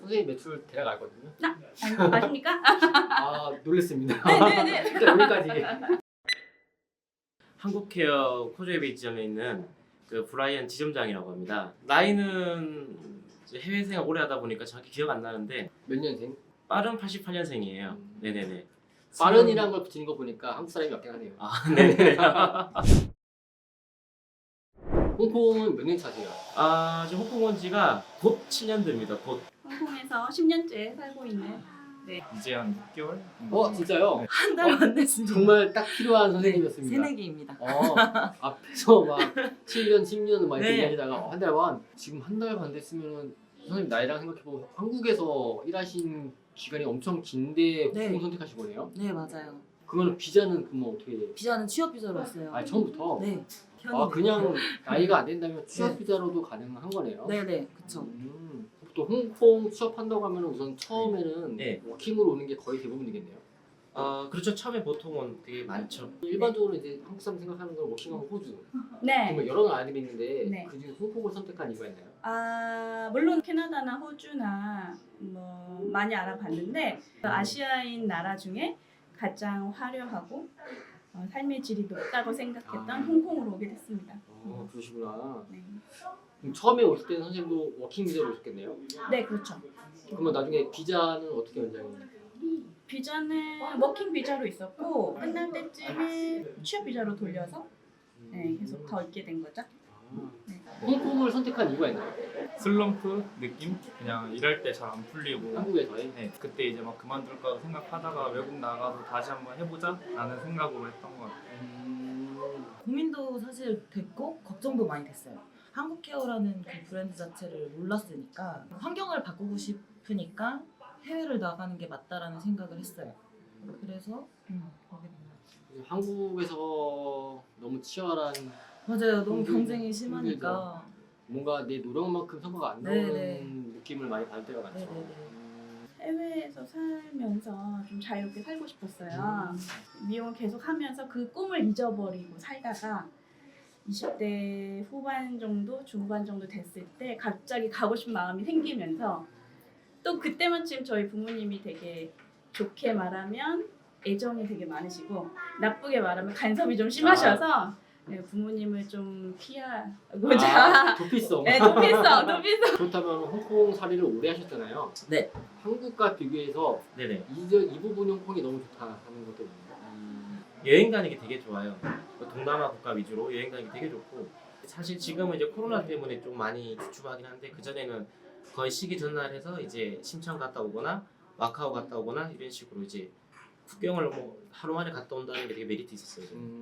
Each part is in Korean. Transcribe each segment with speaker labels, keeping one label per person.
Speaker 1: 선생님 매출 대략 알거든요.
Speaker 2: 아십니까?
Speaker 1: 아 놀랬습니다.
Speaker 2: 네네네.
Speaker 1: 일단 여기까지.
Speaker 3: 한국케어 코조웨이 지점에 있는 그 브라이언 지점장이라고 합니다. 나이는 이제 해외 생활 오래 하다 보니까 정확히 기억 안 나는데
Speaker 1: 몇 년생?
Speaker 3: 빠른 88년생이에요. 네네네.
Speaker 1: 빠른이라는 걸 붙이는 거 보니까 한국 사람이 맞긴 하네요.
Speaker 3: 아 네네.
Speaker 1: 홍콩은 몇 년 차세요?
Speaker 3: 아 지금 홍콩 온 지가 곧 7년 됩니다. 곧.
Speaker 2: 홍콩에서 10년째 살고 있는
Speaker 4: 이제 한 6개월?
Speaker 1: 진짜요?
Speaker 5: 한 달 만났습니다.
Speaker 1: 정말 딱 필요한 선생님이었습니다.
Speaker 5: 새내기입니다.
Speaker 1: 앞에서 막 7년, 10년 막 이렇게
Speaker 5: 네.
Speaker 1: 얘기하다가 한 달 반. 지금 한 달 반 됐으면 선생님 나이랑 생각해보면 한국에서 일하신 기간이 엄청 긴데
Speaker 5: 네.
Speaker 1: 홍콩 선택하신 거네요?
Speaker 5: 네 맞아요.
Speaker 1: 그러면 비자는 그러면 어떻게 돼요?
Speaker 5: 비자는 취업 비자로 왔어요.
Speaker 1: 아 처음부터?
Speaker 5: 네.
Speaker 1: 그냥 나이가 안 된다면 취업 비자로도 가능한 거네요?
Speaker 5: 네네 그쵸.
Speaker 1: 또 홍콩 취업한다고 하면 우선 처음에는
Speaker 3: 네.
Speaker 1: 워킹으로 오는 게 거의 대부분이겠네요?
Speaker 3: 그렇죠. 처음에 보통은 되게 많죠.
Speaker 1: 일반적으로 이제 한국 사람 생각하는 건 워킹하면 호주
Speaker 2: 네.
Speaker 1: 정말 여러 나라들이 있는데
Speaker 2: 네.
Speaker 1: 그중에 홍콩을 선택한 이유가 있나요?
Speaker 2: 물론 캐나다나 호주나 뭐 많이 알아봤는데 아시아인 나라 중에 가장 화려하고 삶의 질이 높다고 생각했던 홍콩으로 오게 됐습니다.
Speaker 1: 그러시구나.
Speaker 2: 네.
Speaker 1: 그럼 처음에 오실 때는 선생님도 워킹 비자로 오셨겠네요?
Speaker 2: 네, 그렇죠.
Speaker 1: 그러면 나중에 비자는 어떻게 연장이?
Speaker 2: 비자는 워킹 비자로 있었고 끝날 때쯤에 취업 비자로 돌려서 계속 더 있게 된 거죠. 네.
Speaker 1: 홍콩을 선택한 이유가 있나요?
Speaker 4: 슬럼프 느낌? 그냥 일할 때 잘 안 풀리고
Speaker 1: 한국에서의?
Speaker 4: 네, 그때 이제 막 그만둘까 생각하다가 외국 나가서 다시 한번 해보자 라는 생각으로 했던 것 같아요.
Speaker 5: 고민도 사실 됐고 걱정도 많이 됐어요. 한국케어라는 그 브랜드 자체를 몰랐으니까 환경을 바꾸고 싶으니까 해외를 나가는 게 맞다라는 생각을 했어요. 그래서 거기
Speaker 1: 한국에서 너무 치열한
Speaker 5: 맞아요. 너무 경쟁이 심하니까.
Speaker 1: 뭔가 내 노력만큼 성과가 안
Speaker 5: 네네.
Speaker 1: 나오는 느낌을 많이 받을 때가 많죠.
Speaker 5: 네네네.
Speaker 2: 해외에서 살면서 좀 자유롭게 살고 싶었어요. 미용을 계속 하면서 그 꿈을 잊어버리고 살다가 20대 후반 정도, 중반 정도 됐을 때 갑자기 가고 싶은 마음이 생기면서 또 그때마침 저희 부모님이 되게 좋게 말하면 애정이 되게 많으시고 나쁘게 말하면 간섭이 좀 심하셔서 네, 부모님을 좀 피하고자
Speaker 1: 도피성.
Speaker 2: 네, 도피성.
Speaker 1: 그렇다면 홍콩 살이를 오래 하셨잖아요.
Speaker 3: 네.
Speaker 1: 한국과 비교해서
Speaker 3: 네네.
Speaker 1: 이 부분이 홍콩이 너무 좋다 하는 것도 있나요?
Speaker 3: 여행 다니기 되게 좋아요. 동남아 국가 위주로 여행 다니기 되게 좋고 사실 지금은 이제 코로나 때문에 좀 많이 주춤하긴 한데 그 전에는 거의 시기 전날해서 이제 심천 갔다 오거나 마카오 갔다 오거나 이런 식으로 이제 국경을 뭐 하루 만에 갔다 온다는 게 되게 메리트 있었어요.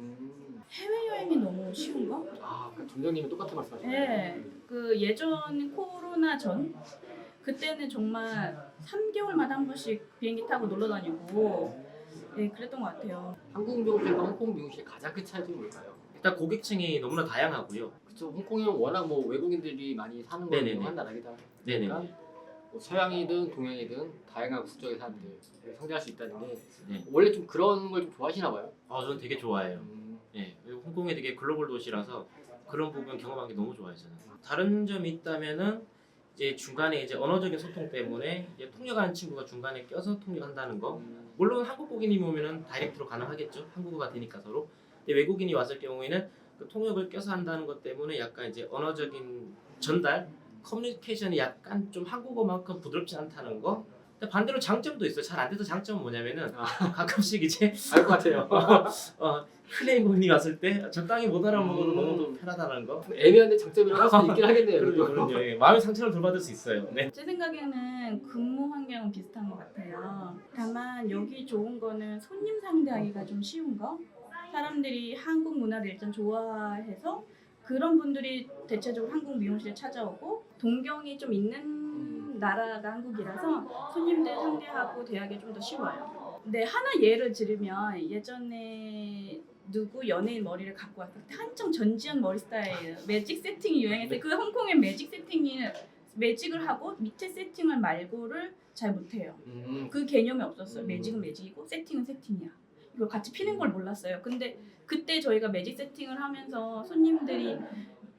Speaker 2: 해외 여행이 너무 쉬운가?
Speaker 1: 그러니까 점장님은 똑같은 말씀하시네요.
Speaker 2: 네. 그 예전 코로나 전 그때는 정말 3개월마다 한 번씩 비행기 타고 놀러 다니고 네, 그랬던 것 같아요.
Speaker 1: 한국 미용실과 홍콩 미용실의 가장 큰 차이점이 뭘까요?
Speaker 3: 일단 고객층이 너무나 다양하고요.
Speaker 1: 그렇죠. 홍콩은 워낙 뭐 외국인들이 많이 사는
Speaker 3: 네네네.
Speaker 1: 걸로 한 나라이다
Speaker 3: 네네.
Speaker 1: 보니까 뭐 서양이든 동양이든 다양한 국적의 사람들 상대할 수 있다는 게
Speaker 3: 네.
Speaker 1: 원래 좀 그런 걸 좀 좋아하시나 봐요.
Speaker 3: 저는 되게 좋아해요. 예, 그리고 홍콩이 되게 글로벌 도시라서 그런 부분 경험한 게 너무 좋아요 저는. 다른 점이 있다면은 이제 중간에 이제 언어적인 소통 때문에 이제 통역하는 친구가 중간에 껴서 통역한다는 거. 물론 한국 고객님이 오면은 다이렉트로 가능하겠죠. 한국어가 되니까 서로. 근데 외국인이 왔을 경우에는 그 통역을 껴서 한다는 것 때문에 약간 이제 언어적인 전달, 커뮤니케이션이 약간 좀 한국어만큼 부드럽지 않다는 거. 근데 반대로 장점도 있어요. 잘 안 돼서 장점은 뭐냐면은 가끔씩 이제
Speaker 1: 알 것 같아요.
Speaker 3: 클레임 고객님이 왔을 때 적당히 못 알아먹어도 너무 편하다는 거.
Speaker 1: 애매한데 장점이라고 할 수도 있긴 하겠네요.
Speaker 3: 그럼요. 예, 마음의 상처를 덜 받을 수 있어요. 네.
Speaker 2: 제 생각에는 근무 환경은 비슷한 것 같아요. 다만 여기 좋은 거는 손님 상대하기가 좀 쉬운 거. 사람들이 한국 문화를 일단 좋아해서 그런 분들이 대체적으로 한국 미용실에 찾아오고 동경이 좀 있는 나라가 한국이라서 손님들 상대하고 대하기 좀 더 쉬워요. 근데 하나 예를 들으면 예전에 누구 연예인 머리를 갖고 왔을 때 한창 전지현 머리 스타일 매직 세팅이 유행했을 때 그 홍콩의 매직 세팅이 매직을 하고 밑에 세팅을 말고를 잘 못해요. 그 개념이 없었어요. 매직은 매직이고 세팅은 세팅이야. 이걸 같이 피는 걸 몰랐어요. 근데 그때 저희가 매직 세팅을 하면서 손님들이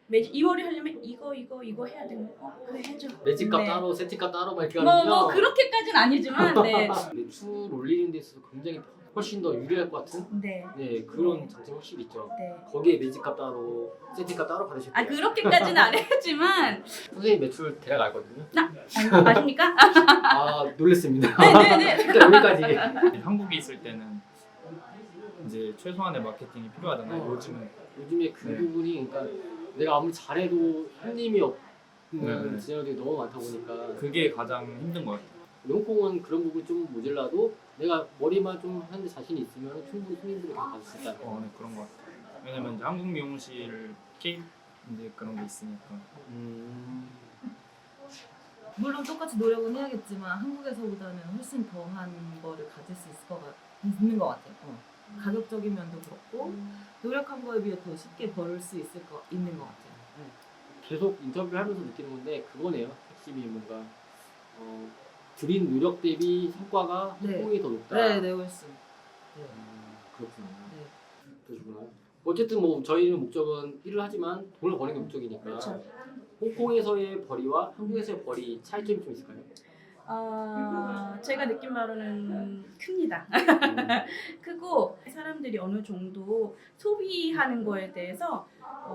Speaker 2: 매직 이 머리 하려면 이거 해야 되는 거. 그래 해줘.
Speaker 1: 매직값
Speaker 2: 네.
Speaker 1: 따로, 세팅값 따로 막 이렇게
Speaker 2: 뭐
Speaker 1: 하면요.
Speaker 2: 그렇게까지는 아니지만 네.
Speaker 1: 매출 올리는 데 있어서 굉장히 훨씬 더 유리할 것 같은
Speaker 2: 네.
Speaker 1: 네 그런 장점이 확실히 있죠.
Speaker 2: 네.
Speaker 1: 거기에 매직값 따로, 세팅값 따로 받으실
Speaker 2: 아
Speaker 1: 거예요.
Speaker 2: 그렇게까지는 안 했지만
Speaker 1: 선생님 매출 대략 알거든요.
Speaker 2: 아십니까?
Speaker 1: 아 놀랬습니다.
Speaker 2: 네네네.
Speaker 1: 일단 여기까지.
Speaker 4: 한국에 있을 때는 이제 최소한의 마케팅이 필요하잖아요. 요즘은
Speaker 1: 요즘에 그
Speaker 4: 네.
Speaker 1: 부분이 그러니까 내가 아무리 잘해도 손님이 없는
Speaker 4: 네.
Speaker 1: 디자이너들이 너무 많다 보니까
Speaker 4: 그게 가장 힘든 것 같아요.
Speaker 1: 홍콩은 그런 부분이 좀 모자라도 내가 머리만 좀 하는데 자신이 있으면 충분히 손님들이 다 받을 수 있다.
Speaker 4: 네, 그런 것 같아요. 왜냐면 이제 한국 미용실 케이프 이제 그런 게 있으니까.
Speaker 5: 물론 똑같이 노력은 해야겠지만 한국에서보다는 훨씬 더한 거를 가질 수 있는 것 같아요. 가격적인 면도 그렇고 노력한 거에 비해 더 쉽게 벌을 수 있는 것 같아요.
Speaker 1: 계속 인터뷰를 하면서 느끼는 건데 그거네요. 핵심이 뭔가 들인 노력 대비 성과가
Speaker 5: 네.
Speaker 1: 홍콩이 더 높다.
Speaker 5: 네, 훨씬. 네.
Speaker 1: 그렇구나.
Speaker 5: 네.
Speaker 1: 그러시구나. 어쨌든 뭐 저희는 목적은 일을 하지만 돈을 버는 게 목적이니까.
Speaker 2: 그렇죠.
Speaker 1: 홍콩에서의 벌이와 한국에서의 벌이 차이점이 좀 있을까요?
Speaker 2: 제가 느낀 바로는 큽니다. 크고 사람들이 어느 정도 소비하는 거에 대해서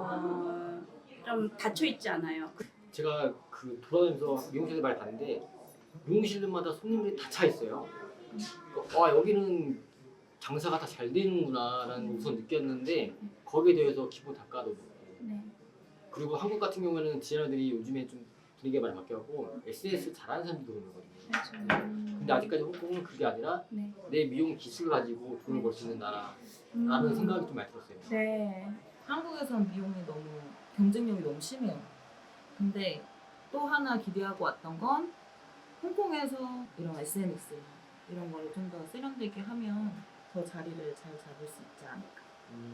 Speaker 2: 좀 닫혀 있지 않아요.
Speaker 1: 제가 그 돌아다니면서 미용실에서 많이 봤는데 미용실마다 손님들이 다 차 있어요. 와 여기는 장사가 다 잘 되는구나라는 걸 우선 느꼈는데 거기에 대해서 기분 닦아도
Speaker 2: 네.
Speaker 1: 그리고 한국 같은 경우에는 디자이너들이 요즘에 좀 분위기가 많이 바뀌었고 SNS 잘하는 사람들도 그러거든요.
Speaker 2: 그렇죠.
Speaker 1: 근데 아직까지 홍콩은 그게 아니라
Speaker 2: 네.
Speaker 1: 내 미용 기술 가지고 돈을 벌 수 있는 나라라는 생각이 좀 많이 들었어요.
Speaker 2: 네.
Speaker 5: 한국에선 비용이 너무 경쟁력이 너무 심해요. 근데 또 하나 기대하고 왔던 건 홍콩에서 이런 SNS 이런 거를 좀 더 세련되게 하면 더 자리를 잘 잡을 수 있지 않을까.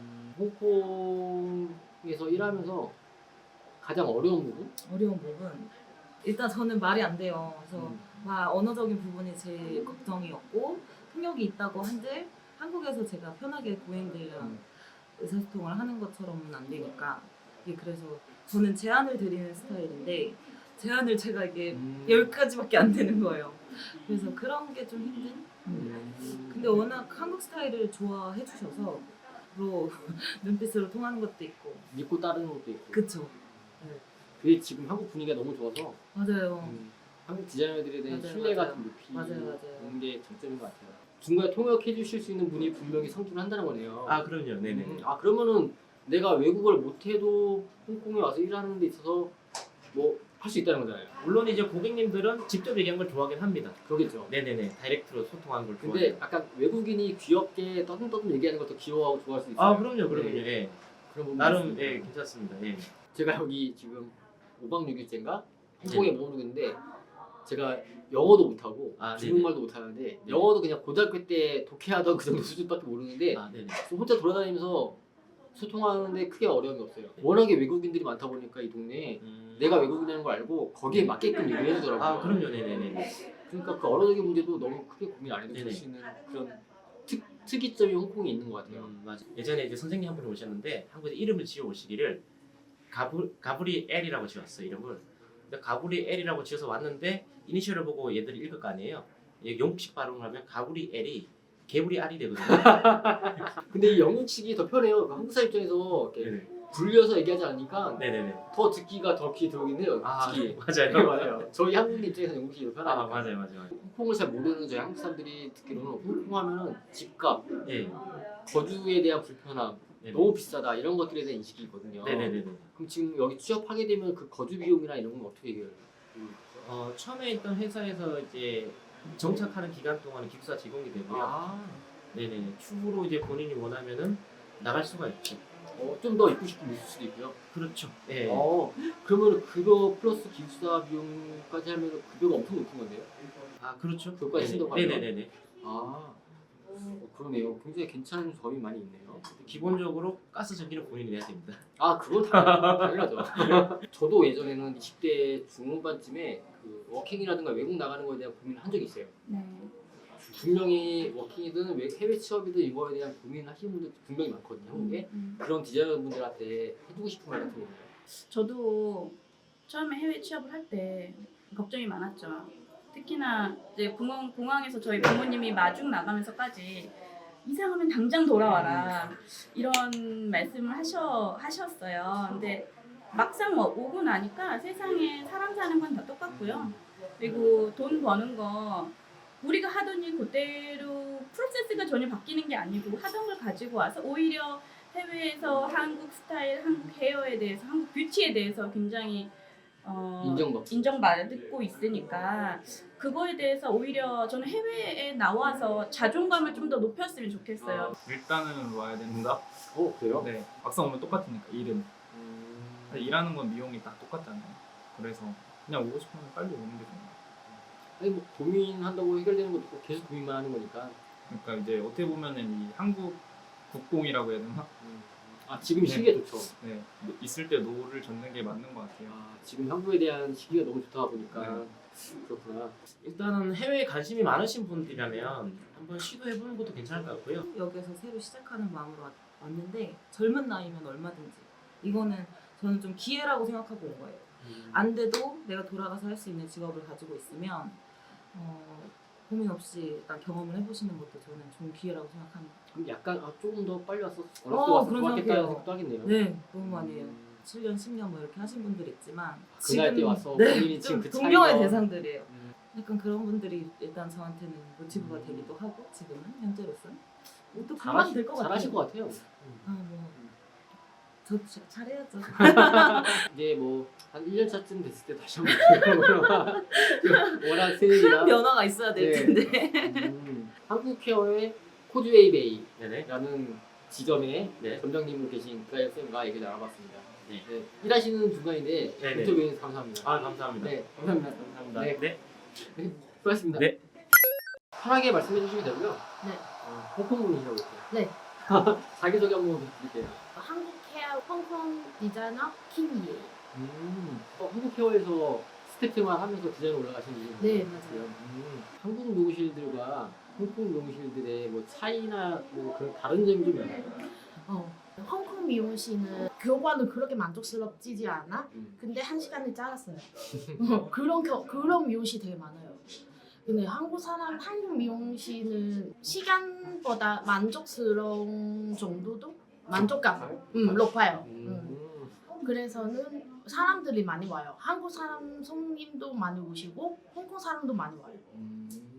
Speaker 1: 홍콩에서 일하면서 가장 어려운 부분?
Speaker 5: 어려운 부분 일단 저는 말이 안 돼요. 그래서 막 언어적인 부분이 제일 걱정이었고 통역이 있다고 한들 한국에서 제가 편하게 고객들이랑 의사소통을 하는 것처럼은 안 되니까 이게 그래서 저는 제안을 드리는 스타일인데 제안을 제가 이게 10가지밖에 안 되는 거예요. 그래서 그런 게 좀 힘든? 근데 워낙 한국 스타일을 좋아해 주셔서 로 눈빛으로 통하는 것도 있고
Speaker 1: 믿고 따르는 것도 있고
Speaker 5: 그쵸.
Speaker 1: 그게 지금 한국 분위기가 너무 좋아서
Speaker 5: 맞아요.
Speaker 1: 한국 디자이너들에 대한
Speaker 5: 맞아요,
Speaker 1: 신뢰가
Speaker 5: 맞아요.
Speaker 1: 좀 높이
Speaker 5: 맞아요.
Speaker 1: 오는 게 장점인 것 같아요. 중간에 통역해 주실 수 있는 분이 분명히 상주를 한다는 거네요.
Speaker 3: 아 그럼요. 네네.
Speaker 1: 그러면은 내가 외국어를 못해도 홍콩에 와서 일하는 데 있어서 뭐 할 수 있다는 거잖아요.
Speaker 3: 물론 이제 고객님들은 직접 얘기한 걸 좋아하긴 합니다.
Speaker 1: 그러겠죠.
Speaker 3: 네네네. 다이렉트로 소통하는 걸
Speaker 1: 근데
Speaker 3: 좋아해요.
Speaker 1: 약간 외국인이 귀엽게 떠듬떠듬 얘기하는 것도 귀여워하고 좋아할 수 있어요.
Speaker 3: 아 그럼요.
Speaker 1: 네.
Speaker 3: 예.
Speaker 1: 그런 부분이
Speaker 3: 나름
Speaker 1: 있습니다.
Speaker 3: 예 괜찮습니다. 예.
Speaker 1: 제가 여기 지금 5박 6일째인가 홍콩에 머무르는데 제가 영어도 못하고
Speaker 3: 아,
Speaker 1: 중국말도 못하는데 영어도 그냥 고등학교 때 독해하던 그 정도 수준밖에 모르는데
Speaker 3: 아 네네.
Speaker 1: 혼자 돌아다니면서 소통하는데 크게 어려움이 없어요. 워낙에 외국인들이 많다 보니까 이 동네에 내가 외국인이라는 걸 알고 거기에 맞게끔 얘기를 해주더라고요.
Speaker 3: 아 그럼요. 네네네.
Speaker 1: 그러니까 그 언어적인 문제도 너무 크게 고민 안 해도 될
Speaker 3: 네네.
Speaker 1: 수 있는 그런 특이점이 홍콩에 있는 것 같아요.
Speaker 3: 맞아. 예전에 이제 선생님 한 분이 오셨는데 한국에 이름을 지어 오시기를 가브리엘이라고 지었어 이름을. 근데 가브리엘이라고 지어서 왔는데 이니셜을 보고 얘들이 읽을 거 아니에요. 이게 영국식 발음을 하면 가브리엘이 개구리 알이 되거든요.
Speaker 1: 근데 이 영국식이 더 편해요. 그 한국 사람 입장에서 이렇게
Speaker 3: 네네.
Speaker 1: 불려서 얘기하지 않으니까
Speaker 3: 네네네.
Speaker 1: 더 듣기가 더 귀에 들어오긴 해요.
Speaker 3: 아
Speaker 1: 특히.
Speaker 3: 맞아요.
Speaker 1: 네, 맞아요. 저희 한국 입장에서 영국식이 더
Speaker 3: 아
Speaker 1: 편하니까.
Speaker 3: 맞아요.
Speaker 1: 홍콩을 잘 모르는 저희 한국 사람들이 듣기로는 홍콩 하면은 집값,
Speaker 3: 예.
Speaker 1: 거주에 대한 불편함,
Speaker 3: 네네.
Speaker 1: 너무 비싸다 이런 것들에 대한 인식이 있거든요.
Speaker 3: 네네네네.
Speaker 1: 그럼 지금 여기 취업하게 되면 그 거주 비용이나 이런 건 어떻게 해결해요?
Speaker 3: 처음에 있던 회사에서 이제 정착하는 기간 동안은 기숙사 제공이 되고요.
Speaker 1: 아,
Speaker 3: 네네. 추후로 이제 본인이 원하면은 나갈 수가 있죠.
Speaker 1: 좀 더 입고 싶으면 있을 수도 있고요.
Speaker 3: 그렇죠. 예.
Speaker 1: 그러면 그거 플러스 기숙사 비용까지 하면 급여가 엄청 높은 건데요?
Speaker 3: 아 그렇죠.
Speaker 1: 그것까지 신경 하면?
Speaker 3: 네네네네.
Speaker 1: 그러네요. 굉장히 괜찮은 점이 많이 있네요.
Speaker 3: 기본적으로 가스 전기는 본인이 내야 됩니다.
Speaker 1: 그건 당연하죠. 저도 예전에는 20대 중후반쯤에 그 워킹이라든가 외국 나가는 거에 대한 고민을 한 적이 있어요.
Speaker 2: 네.
Speaker 1: 분명히 워킹이든 해외 취업이든 이거에 대한 고민을 하시는 분들 분명히 많거든요. 한국에. 그런 디자이너분들한테 해주고 싶은 말 같은 거 있나요?
Speaker 2: 저도 처음에 해외 취업을 할 때 걱정이 많았죠. 특히나 이제 공항에서 저희 부모님이 마중 나가면서까지 이상하면 당장 돌아와라 이런 말씀을 하셨어요. 근데 막상 오고 나니까 세상에 사람 사는 건 다 똑같고요. 그리고 돈 버는 거 우리가 하던 일 그대로 프로세스가 전혀 바뀌는 게 아니고 하던 걸 가지고 와서 오히려 해외에서 한국 스타일, 한국 헤어에 대해서, 한국 뷰티에 대해서 굉장히 인정받고 있으니까 그거에 대해서 오히려 저는 해외에 나와서 자존감을 좀 더 높였으면 좋겠어요.
Speaker 4: 일단은 와야 된다.
Speaker 1: 그래요?
Speaker 4: 네, 막상 오면 똑같으니까 일은. 근데 일하는 건 미용이 다 똑같잖아요. 그래서 그냥 오고 싶으면 빨리 오는 게 좋은 것 같아요.
Speaker 1: 아니 뭐 고민한다고 해결되는 것도 없고 계속 고민만 하는 거니까.
Speaker 4: 그러니까 이제 어떻게 보면은 이 한국 국공이라고 해야 되나?
Speaker 1: 아 지금 시기가 좋죠.
Speaker 4: 네, 있을 때 노를 젓는 게 맞는 것 같아요.
Speaker 1: 지금 한국에 대한 시기가 너무 좋다 보니까
Speaker 4: 네.
Speaker 1: 그렇구나.
Speaker 3: 일단은 해외에 관심이 많으신 분들이라면 한번 시도해보는 것도 괜찮을 것 같고요.
Speaker 5: 여기서 새로 시작하는 마음으로 왔는데 젊은 나이면 얼마든지 이거는 저는 좀 기회라고 생각하고 온 거예요. 안 돼도 내가 돌아가서 할 수 있는 직업을 가지고 있으면 고민 없이 일단 경험을 해보시는 것도 저는 좋은 기회라고 생각합니다.
Speaker 1: 그럼 약간 조금 더 빨리 왔어 어렸을 때
Speaker 5: 그런
Speaker 1: 왔으면 좋았겠다는
Speaker 5: 생각해요.
Speaker 1: 생각도 하겠네요.
Speaker 5: 네, 너무 많이 해요. 7년, 10년 뭐 이렇게 하신 분들 있지만
Speaker 1: 그날 때 와서
Speaker 5: 네,
Speaker 1: 본인이
Speaker 5: 좀
Speaker 1: 지금 그
Speaker 5: 동경의
Speaker 1: 차이가-
Speaker 5: 대상들이에요. 약간 그런 분들이 일단 저한테는 모티브가 되기도 하고 지금은 현재로서는 또 금방 될 것 같아요.
Speaker 1: 잘하실 것 같아요.
Speaker 5: 저 잘해야죠.
Speaker 1: 이제 뭐 한 1년 차쯤 됐을 때 다시 한번 워낙 새내기라
Speaker 5: 변화가 있어야 될
Speaker 1: 네.
Speaker 5: 텐데.
Speaker 1: 한국 케어의 코즈웨이 베이라는
Speaker 3: 네네.
Speaker 1: 지점에
Speaker 3: 네.
Speaker 1: 점장님으로 계신 그라이어 쌤과 얘기를 나눠봤습니다.
Speaker 3: 네.
Speaker 1: 네, 일하시는 중간인데
Speaker 3: 네네.
Speaker 1: 인터뷰해 주셔서 감사합니다.
Speaker 3: 아 감사합니다.
Speaker 1: 네, 감사합니다.
Speaker 3: 감사합니다.
Speaker 1: 네.
Speaker 3: 네.
Speaker 1: 수고하셨습니다.
Speaker 3: 네.
Speaker 1: 편하게 말씀해 주시면 되고요.
Speaker 6: 네.
Speaker 1: 홍콩 분이시라고 했어요.
Speaker 6: 네.
Speaker 1: 자기소개 한번 부탁드릴게요.
Speaker 6: 한국 케어 홍콩 디자이너 킴이에요.
Speaker 1: 한국 케어에서 스텝 생활하면서 디자인 올라가신 분이요
Speaker 6: 네, 맞아요.
Speaker 1: 한국 미용실들과 홍콩 미용실들의 뭐 차이나 뭐 그런 다른 점이 좀 있나요?
Speaker 6: 홍콩 미용실은 교관은 그렇게 만족스럽지 않아. 근데 1시간이 짧았어요. 그런 미용실 되게 많아요. 근데 한국 미용실은 시간보다 만족스러운 정도도 만족감 높아요. 그래서는 사람들이 많이 와요. 한국 사람 손님도 많이 오시고 홍콩 사람도 많이 와요.